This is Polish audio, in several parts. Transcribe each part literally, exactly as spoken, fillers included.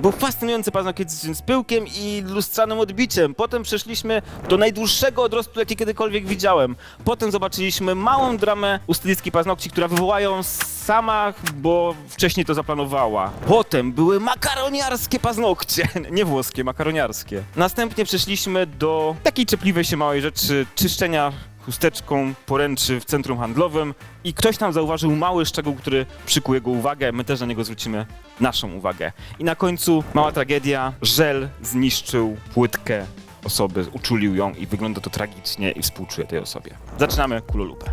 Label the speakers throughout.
Speaker 1: Był fascynujący paznokieć z pyłkiem i lustrzanym odbiciem. Potem przeszliśmy do najdłuższego odrostu, jaki kiedykolwiek widziałem. Potem zobaczyliśmy małą dramę u stylistki paznokci, która wywoła ją sama, bo wcześniej to zaplanowała. Potem były makaroniarskie paznokcie, nie włoskie, makaroniarskie. Następnie przeszliśmy do takiej czepliwej się małej rzeczy, czyszczenia chusteczką poręczy w centrum handlowym i ktoś tam zauważył mały szczegół, który przykuł jego uwagę, my też na niego zwrócimy naszą uwagę. I na końcu mała tragedia, żel zniszczył płytkę osoby, uczulił ją i wygląda to tragicznie i współczuję tej osobie. Zaczynamy kulolupę.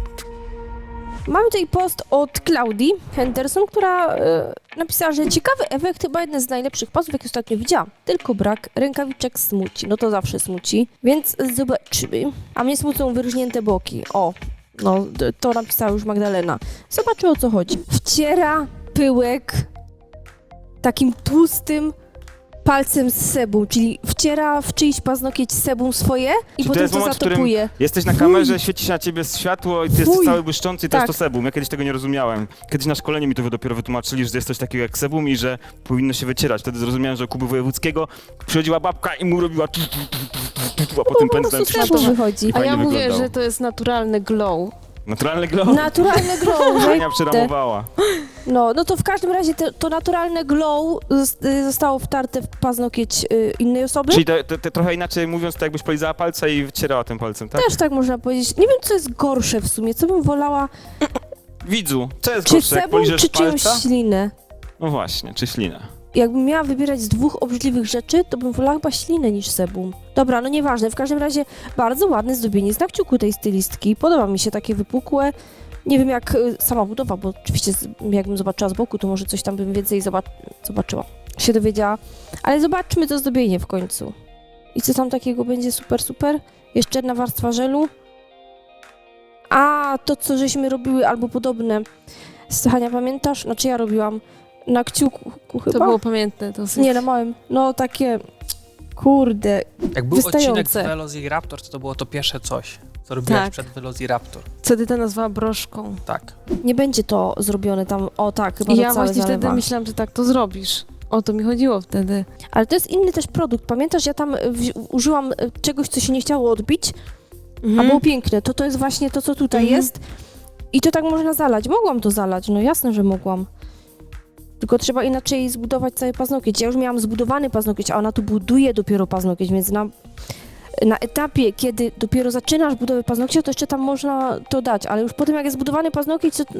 Speaker 2: Mamy tutaj post od Klaudii Henderson, która e, napisała, że ciekawy efekt, chyba jeden z najlepszych postów, jaki ostatnio widziałam. Tylko brak rękawiczek smuci. No to zawsze smuci, więc zobaczymy. A mnie smucą wyróżnięte boki. O, no to napisała już Magdalena. Zobaczymy, o co chodzi. Wciera pyłek takim tłustym palcem z sebum, czyli wciera w czyjś paznokieć sebum swoje i
Speaker 1: Czy
Speaker 2: potem
Speaker 1: jest
Speaker 2: to
Speaker 1: moment, w którym
Speaker 2: zatopuje.
Speaker 1: Jesteś na kamerze, świeci się na ciebie światło i ty jesteś
Speaker 2: Fuj.
Speaker 1: cały błyszczący i to
Speaker 2: Tak.
Speaker 1: jest to sebum. Ja kiedyś tego nie rozumiałem. Kiedyś na szkoleniu mi to dopiero wytłumaczyli, że jest coś takiego jak sebum i że powinno się wycierać. Wtedy zrozumiałem, że u Kuby Wojewódzkiego przychodziła babka i mu robiła tu, tu, tu, tu, tu, tu, a potem
Speaker 2: Po
Speaker 1: pędzlem
Speaker 2: prostu sebum wychodzi.
Speaker 1: I
Speaker 3: A ja
Speaker 1: fajnie
Speaker 3: mówię,
Speaker 1: wyglądał.
Speaker 3: że to jest naturalny glow.
Speaker 1: Naturalny glow.
Speaker 2: Naturalne glow.
Speaker 1: Ania przeramowała.
Speaker 2: No, no to w każdym razie te, to naturalne glow zos- y, zostało wtarte w paznokieć y, innej osoby.
Speaker 1: Czyli te, te, te trochę inaczej mówiąc, to jakbyś polizała palca i wycierała tym palcem, tak?
Speaker 2: Też tak można powiedzieć. Nie wiem, co jest gorsze w sumie. Co bym wolała?
Speaker 1: Widzu, co jest
Speaker 2: Czy
Speaker 1: gorsze, jak
Speaker 2: sebum,
Speaker 1: poliżesz
Speaker 2: czy czyjąś
Speaker 1: palca?
Speaker 2: ślinę?
Speaker 1: No właśnie, czy ślinę.
Speaker 2: Jakbym miała wybierać z dwóch obrzydliwych rzeczy, to bym wolała chyba ślinę niż sebum. Dobra, no nieważne. W każdym razie bardzo ładne zdobienie z kciuku tej stylistki. Podoba mi się takie wypukłe. Nie wiem jak y, sama budowa, bo oczywiście z, jakbym zobaczyła z boku, to może coś tam bym więcej zobac- zobaczyła, się dowiedziała. Ale zobaczmy to zdobienie w końcu. I co tam takiego będzie super, super? Jeszcze jedna warstwa żelu. A, to co żeśmy robiły, albo podobne. Hania, pamiętasz? Znaczy ja robiłam na kciuku chyba?
Speaker 3: To było pamiętne dosyć.
Speaker 2: Nie, na małym. No takie, kurde,
Speaker 4: Jak był odcinek
Speaker 2: wystające.
Speaker 4: z Velociraptor, to to było to pierwsze coś, co robiłaś
Speaker 3: Tak.
Speaker 4: przed Velociraptor.
Speaker 3: Wtedy to nazwała broszką.
Speaker 4: Tak.
Speaker 2: nie będzie to zrobione tam, o tak, chyba
Speaker 3: I
Speaker 2: to
Speaker 3: ja
Speaker 2: całe
Speaker 3: właśnie
Speaker 2: zalewa.
Speaker 3: wtedy myślałam, że tak to zrobisz. O to mi chodziło wtedy.
Speaker 2: Ale to jest inny też produkt. Pamiętasz, ja tam w- użyłam e, czegoś, co się nie chciało odbić, a było piękne. To to jest właśnie to, co tutaj
Speaker 3: Mhm.
Speaker 2: jest. I to tak można zalać. Mogłam to zalać, no jasne, że mogłam. Tylko trzeba inaczej zbudować cały paznokieć. Ja już miałam zbudowany paznokieć, a ona tu buduje dopiero paznokieć, więc na, na etapie, kiedy dopiero zaczynasz budowę paznokcia, to jeszcze tam można to dać, ale już potem jak jest zbudowany paznokieć, to...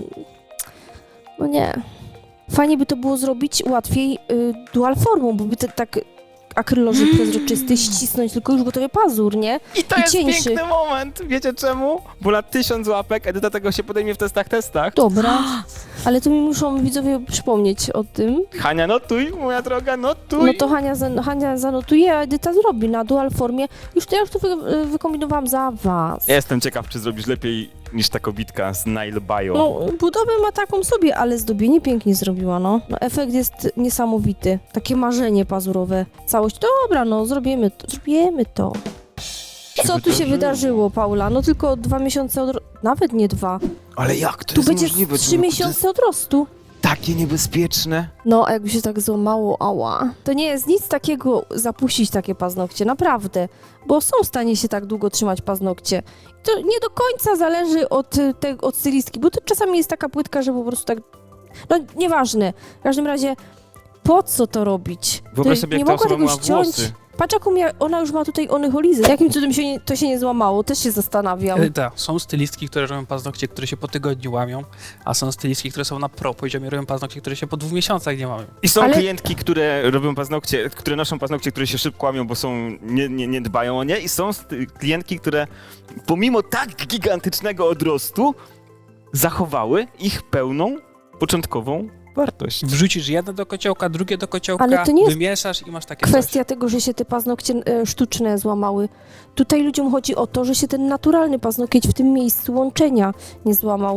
Speaker 2: No nie. Fajnie by to było zrobić łatwiej y, dual formą, bo by to tak akryloży przezroczysty ścisnąć tylko już gotowy pazur, nie?
Speaker 1: I to
Speaker 2: I
Speaker 1: jest
Speaker 2: cieńszy.
Speaker 1: piękny moment. Wiecie czemu? Bo na tysiąc łapek Edyta tego się podejmie w testach testach.
Speaker 2: Dobra. Ale to mi muszą widzowie przypomnieć o tym.
Speaker 1: Hania, notuj, moja droga, notuj.
Speaker 2: No to Hania, zan- Hania zanotuje, a Edyta zrobi na dual formie. Już to ja już to wy- wykombinowałam za was.
Speaker 1: Ja jestem ciekaw, czy zrobisz lepiej niż ta kobitka z Nail Bio.
Speaker 2: No, budowę ma taką sobie, ale zdobienie pięknie zrobiła, no. No efekt jest niesamowity. Takie marzenie pazurowe. Całość, dobra, no, zrobimy to, zrobimy to. Co tu się wydarzyło, Paula? No tylko dwa miesiące od... Nawet nie dwa.
Speaker 1: Ale jak to
Speaker 2: Tu
Speaker 1: jest
Speaker 2: będzie
Speaker 1: możliwe?
Speaker 2: trzy
Speaker 1: człowieku?
Speaker 2: miesiące odrostu.
Speaker 1: To jest takie niebezpieczne.
Speaker 2: No, a jakby się tak złamało, ała. To nie jest nic takiego zapuścić takie paznokcie, naprawdę. Bo są w stanie się tak długo trzymać paznokcie. I to nie do końca zależy od, y, te, od stylistki, bo to czasami jest taka płytka, że po prostu tak... No, nieważne. W każdym razie, po co to robić?
Speaker 1: Wyobraź
Speaker 2: To
Speaker 1: sobie,
Speaker 2: nie
Speaker 1: jak ta
Speaker 2: mogła
Speaker 1: osoba
Speaker 2: tego
Speaker 1: miała
Speaker 2: ściąć.
Speaker 1: włosy.
Speaker 2: Patrz, jaką mia- ona już ma tutaj onycholizy. Jakim cudem się nie, to się nie złamało? Też się zastanawiam.
Speaker 4: Edyta, są stylistki, które robią paznokcie, które się po tygodniu łamią, a są stylistki, które są na pro poziomie, robią paznokcie, które się po dwóch miesiącach nie łamią.
Speaker 1: I są
Speaker 2: Ale-
Speaker 1: klientki, które robią paznokcie, które noszą paznokcie, które się szybko łamią, bo są, nie, nie, nie dbają o nie. I są st- klientki, które pomimo tak gigantycznego odrostu zachowały ich pełną, początkową wartość.
Speaker 4: Wrzucisz jedno do kociołka, drugie do kociołka,
Speaker 2: Ale to nie jest
Speaker 4: wymieszasz i masz takie
Speaker 2: Kwestia tego, że się te paznokcie e, sztuczne złamały. Tutaj ludziom chodzi o to, że się ten naturalny paznokieć w tym miejscu łączenia nie złamał.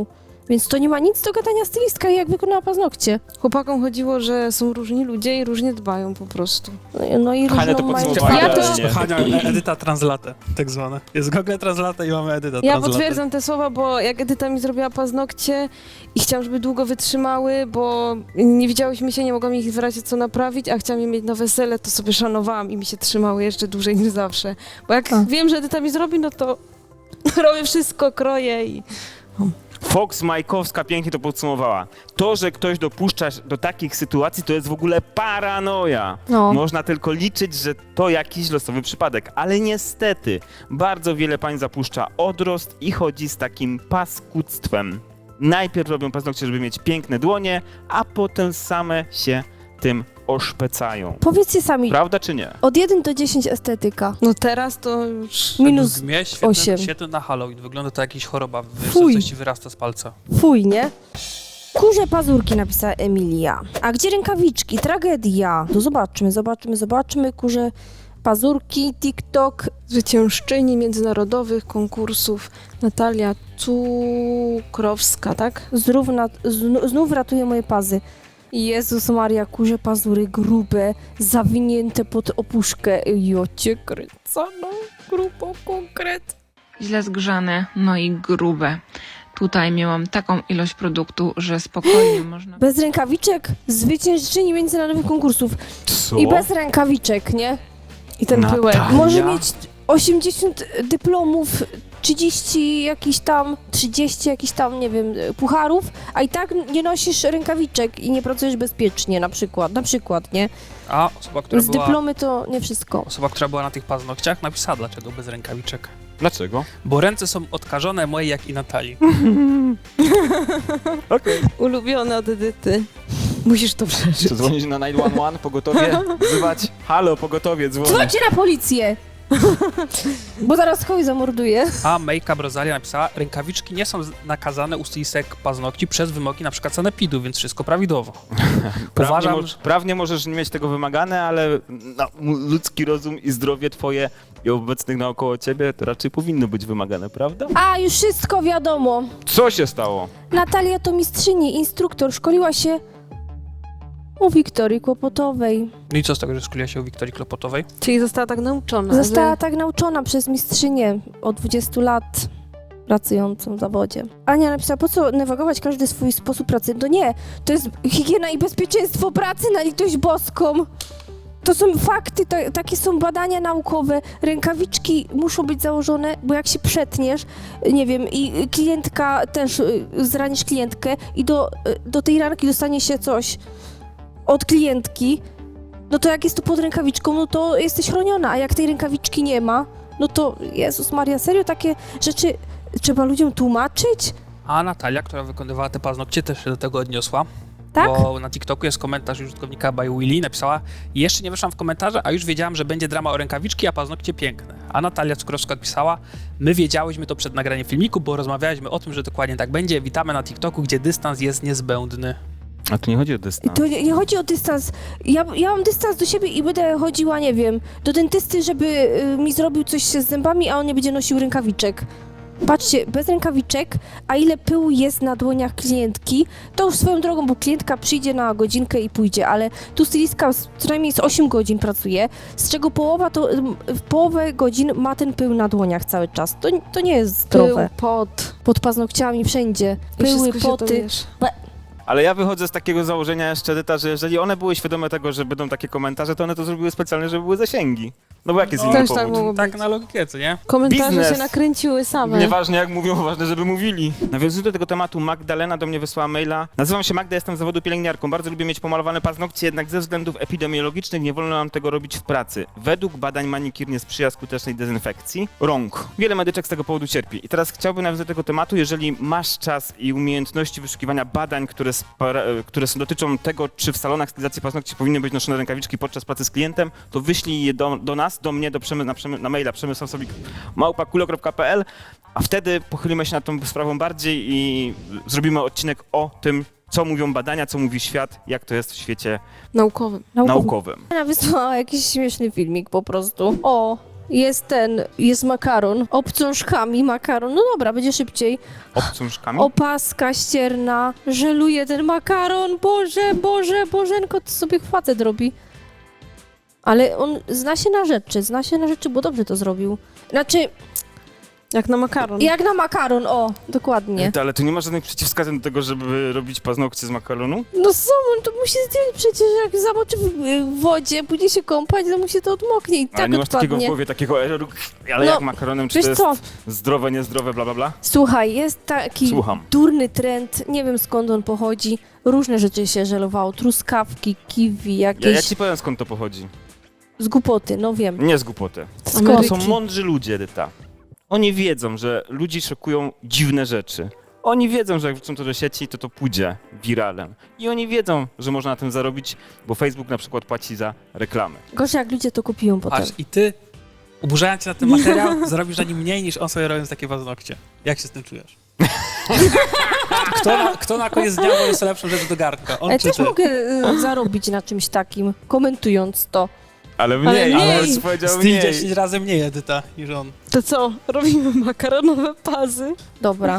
Speaker 2: Więc to nie ma nic do gadania stylistka, jak wykonała paznokcie.
Speaker 3: Chłopakom chodziło, że są różni ludzie i różnie dbają po prostu.
Speaker 2: No i
Speaker 1: Hania to
Speaker 2: różną mają...
Speaker 1: podsumowała
Speaker 2: Ja
Speaker 1: idealnie.
Speaker 2: też...
Speaker 4: Hania, Edyta Translate, tak zwane. Jest Google Translate i mamy Edyta
Speaker 3: Ja
Speaker 4: Translate.
Speaker 3: potwierdzam te słowa, bo jak Edyta mi zrobiła paznokcie i chciałam, żeby długo wytrzymały, bo nie widziałyśmy się, nie mogłam ich w razie co naprawić, a chciałam je mieć na wesele, to sobie szanowałam i mi się trzymały jeszcze dłużej niż zawsze. Bo jak
Speaker 2: A.
Speaker 3: wiem, że Edyta mi zrobi, no to robię wszystko, kroję i...
Speaker 1: Fox Majkowska pięknie to podsumowała. To, że ktoś dopuszcza się do takich sytuacji, to jest w ogóle paranoja.
Speaker 2: No.
Speaker 1: Można tylko liczyć, że to jakiś losowy przypadek, ale niestety bardzo wiele pań zapuszcza odrost i chodzi z takim paskudztwem. Najpierw robią paznokcie, żeby mieć piękne dłonie, a potem same się tym oszpecają.
Speaker 2: Powiedzcie sami,
Speaker 1: Prawda czy nie?
Speaker 2: od jeden do dziesięciu estetyka.
Speaker 3: No teraz to już...
Speaker 2: Minus
Speaker 4: Według mnie świetny,
Speaker 2: osiem.
Speaker 4: świetny na Halloween. Wygląda to jakaś choroba, wiesz,
Speaker 2: Fuj.
Speaker 4: że coś ci wyrasta z palca.
Speaker 2: Fuj, nie? Kurze pazurki, napisała Emilia. A gdzie rękawiczki? Tragedia. To zobaczmy, zobaczmy, zobaczmy. Kurze pazurki, TikTok.
Speaker 3: Zwyciężczyni międzynarodowych konkursów Natalia Cukrowska, tak?
Speaker 2: Znów, na, zn- znów ratuje moje pazy. Jezus Maria, kurze pazury grube, zawinięte pod opuszkę. Jocie kręcono, grubo konkret.
Speaker 5: źle zgrzane, no i grube. Tutaj miałam taką ilość produktu, że spokojnie można...
Speaker 2: Bez rękawiczek, zwyciężczyni międzynarodowych konkursów.
Speaker 1: Co?
Speaker 2: I bez rękawiczek, nie?
Speaker 3: I ten
Speaker 1: Natalia.
Speaker 3: pyłek.
Speaker 2: Może mieć osiemdziesiąt dyplomów, trzydzieści jakiś tam, trzydzieści jakiś tam, nie wiem, pucharów, a i tak nie nosisz rękawiczek i nie pracujesz bezpiecznie na przykład, na przykład, nie?
Speaker 4: A osoba, która
Speaker 2: Z
Speaker 4: była,
Speaker 2: dyplomy to nie wszystko.
Speaker 4: osoba, która była na tych paznokciach, napisała, dlaczego bez rękawiczek.
Speaker 1: Dlaczego?
Speaker 4: Bo ręce są odkażone moje jak i Natalii.
Speaker 1: Okej.
Speaker 3: Ulubione od Edyty. Musisz to przeżyć.
Speaker 1: To dzwonić na dziewięć jeden jeden, pogotowie, wzywać. Halo, pogotowie, dzwoni.
Speaker 2: Dzwońcie na policję! Bo zaraz kogoś zamorduje.
Speaker 4: A Make-up Rosalia napisała, rękawiczki nie są z- nakazane u stylistek paznokci przez wymogi na przykład sanepidu, więc wszystko prawidłowo.
Speaker 1: Prawnie,
Speaker 4: Uważam,
Speaker 1: moż, prawnie możesz nie mieć tego wymagane, ale no, m- ludzki rozum i zdrowie twoje i obecnych naokoło ciebie to raczej powinno być wymagane, prawda?
Speaker 2: A, już wszystko wiadomo.
Speaker 1: Co się stało?
Speaker 2: Natalia to mistrzyni, instruktor, szkoliła się u Wiktorii Kłopotowej.
Speaker 4: No i co z tego, że szkoliła się u Wiktorii Klopotowej?
Speaker 3: Czyli została tak nauczona,
Speaker 2: Została
Speaker 3: że...
Speaker 2: tak nauczona przez mistrzynię od dwudziestu lat pracującą w zawodzie. Ania napisała, po co negować każdy swój sposób pracy? No nie, to jest higiena i bezpieczeństwo pracy na litość boską. To są fakty, to, takie są badania naukowe. Rękawiczki muszą być założone, bo jak się przetniesz, nie wiem, i klientka też, y, zranisz klientkę i do, y, do tej ranki dostanie się coś od klientki, no to jak jest to pod rękawiczką, no to jesteś chroniona, a jak tej rękawiczki nie ma, no to Jezus Maria, serio takie rzeczy trzeba ludziom tłumaczyć?
Speaker 4: A Natalia, która wykonywała te paznokcie, też się do tego odniosła.
Speaker 2: Tak?
Speaker 4: Bo na TikToku jest komentarz użytkownika by Willy, napisała, jeszcze nie weszłam w komentarze, a już wiedziałam, że będzie drama o rękawiczki, a paznokcie piękne. A Natalia Cukrowska odpisała, my wiedziałyśmy to przed nagraniem filmiku, bo rozmawialiśmy o tym, że dokładnie tak będzie. Witamy na TikToku, gdzie dystans jest niezbędny.
Speaker 1: A tu nie chodzi o
Speaker 2: I
Speaker 1: dystans.
Speaker 2: to nie, nie chodzi o dystans. Ja, ja mam dystans do siebie i będę chodziła, nie wiem, do dentysty, żeby y, mi zrobił coś z zębami, a on nie będzie nosił rękawiczek. Patrzcie, bez rękawiczek, a ile pyłu jest na dłoniach klientki, to już swoją drogą, bo klientka przyjdzie na godzinkę i pójdzie, ale tu stylistka z- co najmniej z osiem godzin pracuje, z czego połowa to, ym, w połowę godzin ma ten pył na dłoniach cały czas. To, to nie jest zdrowe.
Speaker 3: Pył, pot.
Speaker 2: Pod paznokciami wszędzie.
Speaker 3: I
Speaker 2: Pyły,
Speaker 3: wszystko się to,
Speaker 2: poty.
Speaker 3: wiesz.
Speaker 1: Ale ja wychodzę z takiego założenia jeszcze, Edyta, że jeżeli one były świadome tego, że będą takie komentarze, to one to zrobiły specjalnie, żeby były zasięgi. No bo jaki jest
Speaker 4: No,
Speaker 1: inny
Speaker 3: też tak
Speaker 1: powód?
Speaker 3: mogło
Speaker 4: Tak
Speaker 3: być.
Speaker 4: na logikę, co nie?
Speaker 3: Komentarze
Speaker 1: Biznes.
Speaker 3: się nakręciły same.
Speaker 1: Nieważne jak mówią, ważne, żeby mówili. Nawiązując do tego tematu, Magdalena do mnie wysłała maila. Nazywam się Magda, jestem z zawodu pielęgniarką. Bardzo lubię mieć pomalowane paznokcie, jednak ze względów epidemiologicznych nie wolno nam tego robić w pracy. Według badań manikir nie sprzyja skutecznej dezynfekcji rąk. Wiele medyczek z tego powodu cierpi. I teraz chciałbym nawiązać do tego tematu, jeżeli masz czas i umiejętności wyszukiwania badań, które, spara, które dotyczą tego, czy w salonach stylizacji paznokci powinny być noszone rękawiczki podczas pracy z klientem, to wyślij je do, do nas, do mnie, do przemy, na, przemy, na maila przemysławsobik małpa kulo kropka pe el, a wtedy pochylimy się nad tą sprawą bardziej i zrobimy odcinek o tym, co mówią badania, co mówi świat, jak to jest w świecie
Speaker 3: Naukowym.
Speaker 1: naukowym.
Speaker 2: Ona wysłała jakiś śmieszny filmik po prostu. O, jest ten, jest makaron, obcążkami makaron, no dobra, będzie szybciej.
Speaker 1: Obcążkami?
Speaker 2: Opaska ścierna, żeluje ten makaron, Boże, Boże, Bożenko, to sobie facet robi. Ale on zna się na rzeczy, zna się na rzeczy, bo dobrze to zrobił. Znaczy,
Speaker 3: Jak na makaron.
Speaker 2: jak na makaron, o, dokładnie.
Speaker 1: Ale tu nie ma żadnych przeciwwskazań do tego, żeby robić paznokcie z makaronu?
Speaker 2: No co, on to musi zdjąć przecież, jak zamoczy w, w wodzie, pójdzie się kąpać, to mu się to odmoknie i
Speaker 1: Ale
Speaker 2: tak
Speaker 1: nie masz takiego w
Speaker 2: odpadnie.
Speaker 1: głowie, takiego eroru, ale
Speaker 2: No,
Speaker 1: jak makaronem, czy
Speaker 2: Wiesz
Speaker 1: to jest
Speaker 2: co,
Speaker 1: zdrowe, niezdrowe, bla bla bla?
Speaker 2: słuchaj, jest taki
Speaker 1: Słucham.
Speaker 2: durny trend, nie wiem skąd on pochodzi, różne rzeczy się żelowało, truskawki, kiwi,
Speaker 1: Ja,
Speaker 2: jakieś
Speaker 1: ja ci powiem, skąd to pochodzi.
Speaker 2: z głupoty, no wiem.
Speaker 1: Nie z głupoty.
Speaker 2: Skąd?
Speaker 3: Ameryki.
Speaker 1: To są mądrzy ludzie, Edyta. Oni wiedzą, że ludzi szokują dziwne rzeczy. Oni wiedzą, że jak wrzucą to do sieci, to to pójdzie wiralem. I oni wiedzą, że można na tym zarobić, bo Facebook na przykład płaci za reklamy.
Speaker 2: Gorzej jak ludzie to kupią potem.
Speaker 4: Patrz, i ty, oburzając się na ten materiał, zarobisz na nim mniej niż on sobie robiąc takie paznokcie. Jak się z tym czujesz? Kto na, kto na koniec dnia jest lepszą rzecz do garnka? On
Speaker 2: Ale
Speaker 4: czy
Speaker 2: też
Speaker 4: ty?
Speaker 2: mogę y, zarobić na czymś takim, komentując to.
Speaker 1: Ale
Speaker 3: mniej,
Speaker 1: mniej,
Speaker 3: ale
Speaker 1: ale
Speaker 3: z-
Speaker 1: powiedział
Speaker 4: Styl
Speaker 1: mniej.
Speaker 4: dziesięć razy mniej, Edyta, niż on.
Speaker 3: To co? Robimy makaronowe pazy?
Speaker 2: Dobra,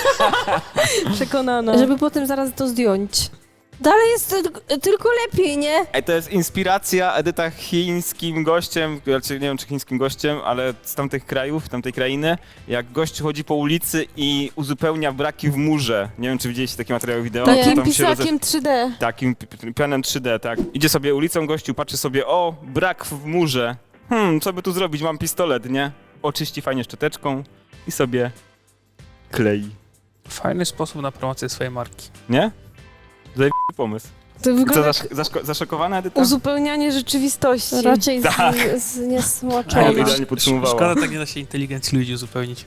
Speaker 3: Przekonana.
Speaker 2: żeby potem zaraz to zdjąć. Dalej jest tyl- tylko lepiej, nie?
Speaker 1: Ej, to jest inspiracja Edyta chińskim gościem, znaczy nie wiem czy chińskim gościem, ale z tamtych krajów, tamtej krainy, jak gość chodzi po ulicy i uzupełnia braki w murze. Nie wiem czy widzieliście takie materiały wideo.
Speaker 2: Nie.
Speaker 1: to
Speaker 3: Takim
Speaker 1: tam się roze-
Speaker 3: pisakiem trzy D.
Speaker 1: Takim pi- pi- pianem trzy D, tak. Idzie sobie ulicą gościu, patrzy sobie, o, brak w murze. Hmm, co by tu zrobić? Mam pistolet, nie? Oczyści fajnie szczoteczką i sobie klei.
Speaker 4: Fajny sposób na promocję swojej marki.
Speaker 1: Nie? Zajebisty pomysł.
Speaker 3: To
Speaker 1: I co,
Speaker 3: wygląda
Speaker 1: zasz- zaszko- zaszokowana Edyta?
Speaker 3: uzupełnianie rzeczywistości.
Speaker 2: Raczej z,
Speaker 1: Tak.
Speaker 2: z
Speaker 1: Ale
Speaker 2: niesmoczona.
Speaker 1: idealnie podsumowała.
Speaker 4: Szkoda, tak nie da się inteligencji ludzi uzupełnić.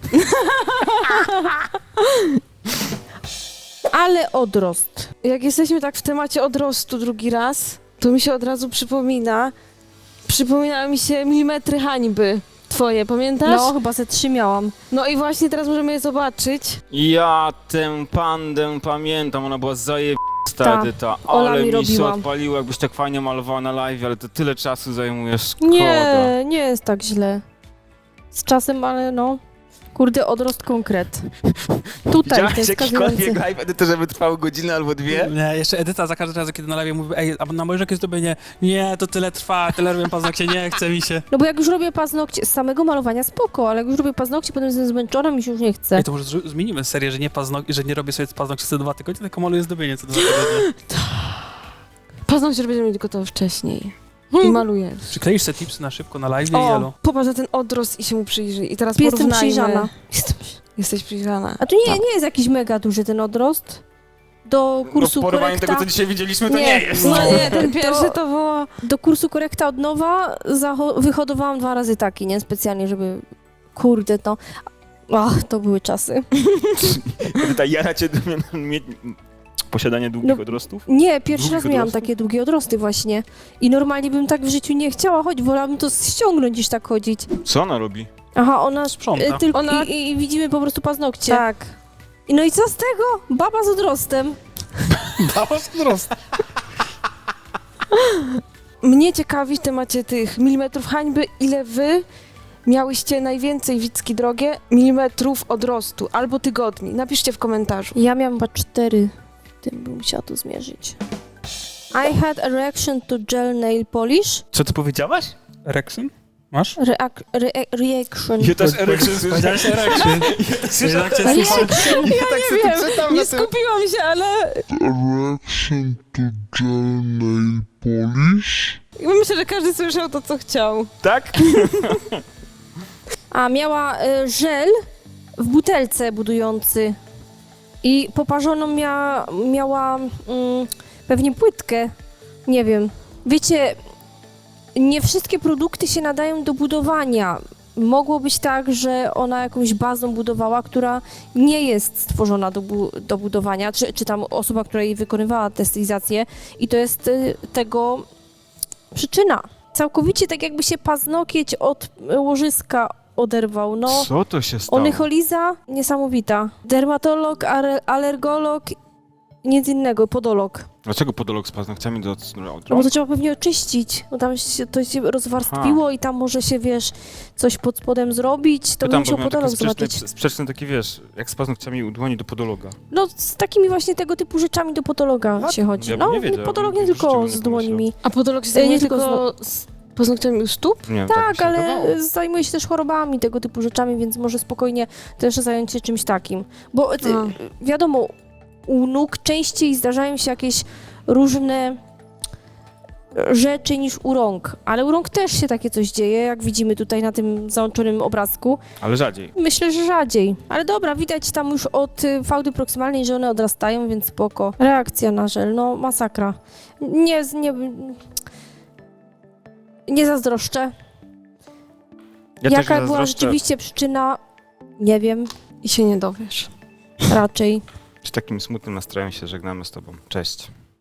Speaker 2: Ale odrost.
Speaker 3: Jak jesteśmy tak w temacie odrostu drugi raz, to mi się od razu przypomina, przypominały mi się milimetry hańby twoje, pamiętasz?
Speaker 2: No, chyba ze trzy miałam.
Speaker 3: No i właśnie teraz możemy je zobaczyć.
Speaker 1: Ja tę pandę pamiętam, ona była zajebista,
Speaker 2: Ta.
Speaker 1: Edyta,
Speaker 2: Ola
Speaker 1: ale
Speaker 2: mi
Speaker 1: mi się
Speaker 2: robiła.
Speaker 1: odpaliło, jakbyś tak fajnie malowała na live, ale to tyle czasu zajmuje, szkoda.
Speaker 2: Nie, nie jest tak źle. Z czasem, ale no. Kurde, odrost konkret. Tutaj,
Speaker 1: Widziałaś
Speaker 2: ten
Speaker 1: jakikolwiek
Speaker 2: wskazujący.
Speaker 1: live, Edyta, żeby trwały godzinę albo dwie?
Speaker 4: Nie, jeszcze Edyta za każdym razem, kiedy na live mówi, ej, a na moje jakie zrobienie, nie, to tyle trwa, tyle robię paznokcie, nie chce mi się.
Speaker 2: No bo jak już robię paznokcie, z samego malowania spoko, ale jak już robię paznokcie, potem jestem zmęczona, mi się już nie chce.
Speaker 4: Ej, to może zrzu- zmienimy serię, że nie, paznok- że nie robię sobie paznokci co dwa tygodnie, tylko maluję zdobienie co dwa tygodnie.
Speaker 3: Paznokcie będziemy mieć gotowe wcześniej. I
Speaker 2: Hmm.
Speaker 3: malujesz.
Speaker 4: Przykleisz te tipsy na szybko na live i
Speaker 2: O.
Speaker 4: jelo.
Speaker 3: Popatrz na ten odrost i się mu przyjrzyj. I teraz
Speaker 2: Jestem
Speaker 3: porównajmy.
Speaker 2: przyjrzana. Jestem...
Speaker 3: Jesteś przyjrzana.
Speaker 2: A tu nie, nie jest jakiś mega duży ten odrost. Do kursu
Speaker 1: no w porównaniu
Speaker 2: korekta,
Speaker 1: tego, co dzisiaj widzieliśmy, to nie,
Speaker 2: Nie.
Speaker 1: jest.
Speaker 3: No nie, ten
Speaker 2: To-
Speaker 3: pierwszy to było...
Speaker 2: do kursu korekta od nowa zaho- wyhodowałam dwa razy taki, nie? Specjalnie, żeby... Kurde, to... Ach, to były czasy.
Speaker 1: Edyta, jara cię mieć posiadanie długich
Speaker 2: No.
Speaker 1: odrostów?
Speaker 2: Nie, pierwszy
Speaker 1: Długich
Speaker 2: raz miałam
Speaker 1: odrostów?
Speaker 2: takie długie odrosty właśnie. I normalnie bym tak w życiu nie chciała chodzić, wolałabym to ściągnąć niż tak chodzić.
Speaker 1: Co ona robi?
Speaker 2: Aha, ona...
Speaker 4: Sprząta.
Speaker 2: y, tylko
Speaker 3: Ona-
Speaker 2: i, i widzimy po prostu paznokcie.
Speaker 3: Tak.
Speaker 2: I no i co z tego? Baba z odrostem.
Speaker 4: Dała wzrost.
Speaker 3: Mnie ciekawi w temacie tych milimetrów hańby, ile wy miałyście najwięcej, Wicki drogie, milimetrów odrostu albo tygodni. Napiszcie w komentarzu.
Speaker 2: Ja miałam chyba cztery. Tym bym musiała to zmierzyć. I had a reaction to gel nail polish.
Speaker 1: Co ty powiedziałaś?
Speaker 4: Erection? Masz?
Speaker 2: Reac- re- reaction.
Speaker 1: Ja też erection
Speaker 4: Powiedziałeś erection. Jednak cię
Speaker 2: Reaction.
Speaker 1: Ja tak sobie
Speaker 3: wiem,
Speaker 1: tu czytam
Speaker 3: Nie
Speaker 1: na tym.
Speaker 3: skupiłam się, ale
Speaker 6: Reaction to gel nail polish.
Speaker 3: myślę, że każdy słyszał to, co chciał.
Speaker 1: Tak?
Speaker 2: A miała y, żel w butelce budujący. I poparzoną mia- miała mm, pewnie płytkę. Nie wiem. Wiecie, nie wszystkie produkty się nadają do budowania. Mogło być tak, że ona jakąś bazą budowała, która nie jest stworzona do, bu- do budowania, czy, czy tam osoba, która jej wykonywała tę stylizację i to jest y, tego przyczyna. Całkowicie tak jakby się paznokieć od y, łożyska oderwał. No,
Speaker 1: Co to się stało?
Speaker 2: onycholiza niesamowita. Dermatolog, ale- alergolog nic innego, podolog.
Speaker 1: Dlaczego podolog z paznokciami do...
Speaker 2: No bo to trzeba pewnie oczyścić, bo tam się, to się rozwarstwiło i tam może się, wiesz, coś pod spodem zrobić, to bym musiał podolog zobaczyć.
Speaker 1: Sprzeczny taki, wiesz, jak z paznokciami u dłoni do podologa.
Speaker 2: No z takimi właśnie tego typu rzeczami do podologa
Speaker 1: Tak?
Speaker 2: się chodzi.
Speaker 1: Ja bym
Speaker 2: no,
Speaker 1: nie wiedział,
Speaker 2: podolog
Speaker 1: bym
Speaker 2: nie
Speaker 1: w życiu
Speaker 2: tylko
Speaker 1: bym
Speaker 2: z
Speaker 1: nie
Speaker 2: dłońmi.
Speaker 3: A podolog się
Speaker 2: E,
Speaker 3: zajmuje
Speaker 2: nie tylko
Speaker 3: tylko z paznokciami u stóp?
Speaker 1: Nie wiem,
Speaker 2: Tak,
Speaker 1: mi się
Speaker 2: ale
Speaker 1: wydawało.
Speaker 2: zajmuje się też chorobami, tego typu rzeczami, więc może spokojnie też zająć się czymś takim. Bo y,
Speaker 3: A.
Speaker 2: wiadomo, u nóg częściej zdarzają się jakieś różne rzeczy niż u rąk, ale u rąk też się takie coś dzieje, jak widzimy tutaj na tym załączonym obrazku.
Speaker 1: Ale rzadziej.
Speaker 2: Myślę, że rzadziej. Ale dobra, widać tam już od y, fałdy proksymalnej, że one odrastają, więc spoko. Reakcja na żel, no masakra. Nie, z- nie, nie zazdroszczę.
Speaker 1: Ja
Speaker 2: Jaka
Speaker 1: też nie
Speaker 2: była
Speaker 1: zazdroszczę.
Speaker 2: rzeczywiście przyczyna? Nie wiem,
Speaker 3: I się nie dowiesz.
Speaker 2: raczej.
Speaker 1: Z takim smutnym nastrojem się żegnamy z tobą. Cześć.